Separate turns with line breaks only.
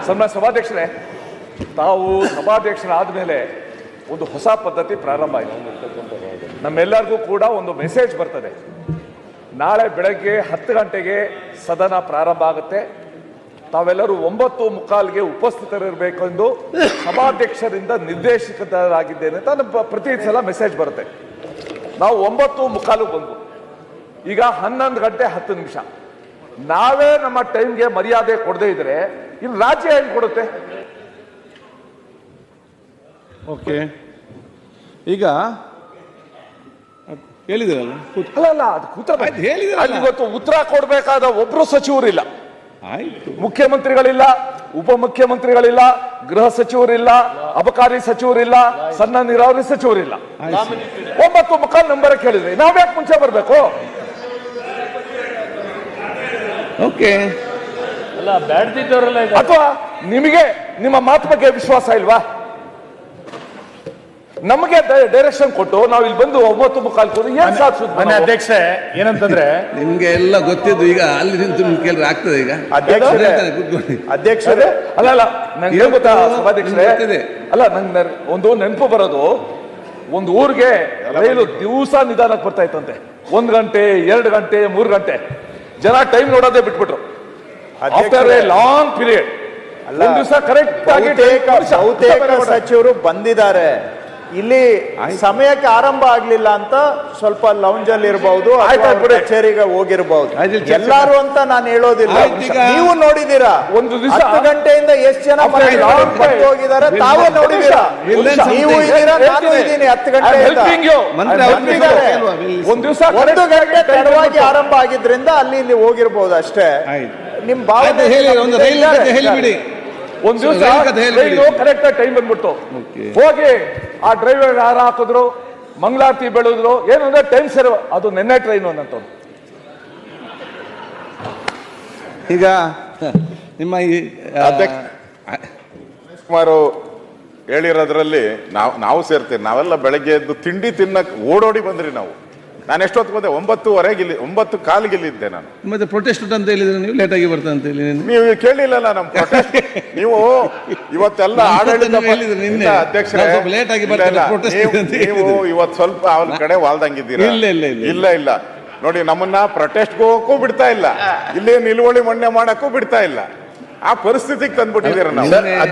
ಸನ್ಮಾನ್ಯ ಸಭಾಧ್ಯಕ್ಷರೇ, ತಾವು ಸಭಾಧ್ಯಕ್ಷರಾದ ಮೇಲೆ ಒಂದು ಹೊಸ ಪದ್ಧತಿ ಪ್ರಾರಂಭ ಆಯಿತು. ನಮ್ಮೆಲ್ಲರಿಗೂ ಕೂಡ ಒಂದು ಮೆಸೇಜ್ ಬರ್ತದೆ. ನಾಳೆ ಬೆಳಗ್ಗೆ 10 ಗಂಟೆಗೆ ಸದನ ಪ್ರಾರಂಭ ಆಗುತ್ತೆ. ತಾವೆಲ್ಲರೂ 9:15ಗೆ ಉಪಸ್ಥಿತರಿರಬೇಕೆಂದು ಸಭಾಧ್ಯಕ್ಷರಿಂದ ನಿರ್ದೇಶಕರಾಗಿದ್ದೇನೆ ಅಂತ ಪ್ರತಿ ಸಲ ಮೆಸೇಜ್ ಬರುತ್ತೆ. ನಾವು 9:15 ಬಂದ್ವು. ಈಗ 11 ಗಂಟೆ 10 ನಿಮಿಷ. ನಾವೇ ನಮ್ಮ ಟೈಮ್ಗೆ ಮರ್ಯಾದೆ ಕೊಡದೇ ಇದ್ರೆ ಇಲ್ಲಿ ರಾಜ್ಯ ಹೆಂಗ್ ಕೊಡುತ್ತೆ?
ಓಕೆ, ಈಗ ಹೇಳಿದ್ರಲ್ಲ,
ಅಲ್ಲ ಅದು ಕೂತ್ರ
ಹೇಳಿದ್ರಲ್ಲ,
ಇವತ್ತು ಉತ್ತರ ಕೊಡಬೇಕಾದ ಒಬ್ರು ಸಚಿವರಿಲ್ಲ.
ಆಯ್ತು,
ಮುಖ್ಯಮಂತ್ರಿಗಳಿಲ್ಲ, ಉಪಮುಖ್ಯಮಂತ್ರಿಗಳಿಲ್ಲ, ಗೃಹ ಸಚಿವರಿಲ್ಲ, ಅಬಕಾರಿ ಸಚಿವರಿಲ್ಲ, ಸಣ್ಣ ನೀರಾವರಿ ಸಚಿವರಿಲ್ಲ. 9:15 ನಂಬರ್ ಕೇಳಿದ್ರಿ, ನಾವ್ಯಾಕೆ ಮುಂಚೆ ಬರ್ಬೇಕು?
ಓಕೆ,
ಅಲ್ಲ ಬ್ಯಾಡ್ದಿದ್ದವರಲ್ಲ,
ಅಥವಾ ನಿಮಗೆ ನಿಮ್ಮ ಮಾತು ಬಗ್ಗೆ ವಿಶ್ವಾಸ ಇಲ್ವಾ? ನಮಗೆ ಡೈರೆಕ್ಷನ್ ಕೊಟ್ಟು ನಾವು ಇಲ್ಲಿ ಬಂದು 9:15 ಏನ್ ಸಾಧಿಸುದು?
ಅಧ್ಯಕ್ಷೆ ಏನಂತಂದ್ರೆ
ನಿಮ್ಗೆ ಎಲ್ಲ ಗೊತ್ತಿದ್ದು, ಈಗ ಅಲ್ಲಿ ನಿಂತು ನಿಮ್ಗೆ ಕೇಳಿದ್ರೆ ಆಗ್ತದೆ. ಈಗ
ಅಧ್ಯಕ್ಷರೇ
ಅಲ್ಲ ನಂಗೆ ಗೊತ್ತಾ ಸಭಾಧ್ಯಕ್ಷರೇ, ಅಲ್ಲ ನಂಗೆ ಒಂದು ನೆನಪು ಬರೋದು, ಒಂದು ಊರಿಗೆ ರೈಲು ದಿವಸ ನಿಧಾನಕ್ಕೆ ಬರ್ತಾ ಇತ್ತಂತೆ. 1 ಗಂಟೆ 2 ಗಂಟೆ 3 ಗಂಟೆ ಜನ ಟೈಮ್ ನೋಡೋದೇ ಬಿಟ್ಬಿಟ್ರು. ಆಫ್ಟರ್ ಎ ಲಾಂಗ್ ಪೀರಿಯಡ್ ಒಂದು ದಿವಸ ಕರೆಕ್ಟ್ ಆಗಿ
ಬಹುತೇಕ ಸಚಿವರು ಬಂದಿದ್ದಾರೆ. ಇಲ್ಲಿ ಸಮಯಕ್ಕೆ ಆರಂಭ ಆಗ್ಲಿಲ್ಲ ಅಂತ ಸ್ವಲ್ಪ ಲೌಂಜ್ ಅಲ್ಲಿ ಇರಬಹುದು, ಕಚೇರಿಗೆ ಹೋಗಿರಬಹುದು. ಎಲ್ಲಾರು ಅಂತ ನಾನು ಹೇಳೋದಿಲ್ಲ. ನೀವು ನೋಡಿದೀರಾ
ಒಂದು ದಿವಸ
10 ಗಂಟೆಯಿಂದ ಎಷ್ಟು ಜನ ಹೋಗಿದ್ದಾರೆ ತಾವೇ ನೋಡಿದೀರಾ. ನೀವು ಇದ್ದೀರಾ, ನಾನು ಇದ್ದೀನಿ. 10 ಗಂಟೆಯಿಂದ
ಒಂದು ದಿವಸ
1 ಗಂಟೆ ತಡವಾಗಿ ಆರಂಭ ಆಗಿದ್ರಿಂದ ಅಲ್ಲಿ ಇಲ್ಲಿ ಹೋಗಿರ್ಬೋದು ಅಷ್ಟೇ. ನಿಮ್ ಭಾವನೆ
ಹೇಳಿಬಿಡಿ.
ಒಂದು ದಿವಸ ಕರೆಕ್ಟ್ ಟೈಮ್ ಬಂದ್ಬಿಟ್ಟು ಹೋಗಿ ಆ ಡ್ರೈವರ್ ಹಾರ ಹಾಕಿದ್ರು, ಮಂಗಳಾರತಿ ಬೆಳೆದ್ರು. ಏನಂದ್ರೆ ಟೈಮ್ ಸರಿ, ಅದು ನೆನ್ನೆ ಟ್ರೈನ್ ಅನ್ನಂತ.
ಈಗ ನಿಮ್ಮ ಈ
ಕುಮಾರು ಹೇಳಿರೋದ್ರಲ್ಲಿ ನಾವು ಸೇರ್ತೀವಿ. ನಾವೆಲ್ಲ ಬೆಳಗ್ಗೆ ಎದ್ದು ತಿಂಡಿ ತಿನ್ನಕ್ ಓಡೋಡಿ ಬಂದ್ರಿ. ನಾವು ನಾನು ಎಷ್ಟೊತ್ತು ಬಂದೆ? 9:15 ಇಲ್ಲಿ, 9:15 ಇಲ್ಲಿದ್ದೆ ನಾನು.
ಮತ್ತೆ ಪ್ರೊಟೆಸ್ಟ್ ಅಂತ ಹೇಳಿದ್ರೆ ನೀವು ಲೇಟ್ ಆಗಿ ಬರ್ತಾ ಅಂತ ಹೇಳಿ
ನೀವು ಕೇಳಿಲ್ಲಲ್ಲ ನಮ್ಮ ಪ್ರೊಟೆಸ್ಟ್. ನೀವು ಇವತ್ತೆಲ್ಲ ಆಡಳಿತ ಅಧ್ಯಕ್ಷರೇ, ನೀವು ಇವತ್ತು ಸ್ವಲ್ಪ ಅವನ ಕಡೆ ವಾಲ್ದಂಗಿದ್ದೀರಾ. ಇಲ್ಲ ನೋಡಿ, ನಮ್ಮನ್ನ ಪ್ರೊಟೆಸ್ಟ್ ಹೋಗಕ್ಕೂ ಬಿಡ್ತಾ ಇಲ್ಲ, ಇಲ್ಲೇ ನಿಲುವಳಿ ಮಣ್ಣೆ ಮಾಡಕ್ಕೂ ಬಿಡ್ತಾ ಇಲ್ಲ. ಆ ಪರಿಸ್ಥಿತಿಗೆ ತಂದ್ಬಿಟ್ಟಿದ್ದೀರ ನಾವು.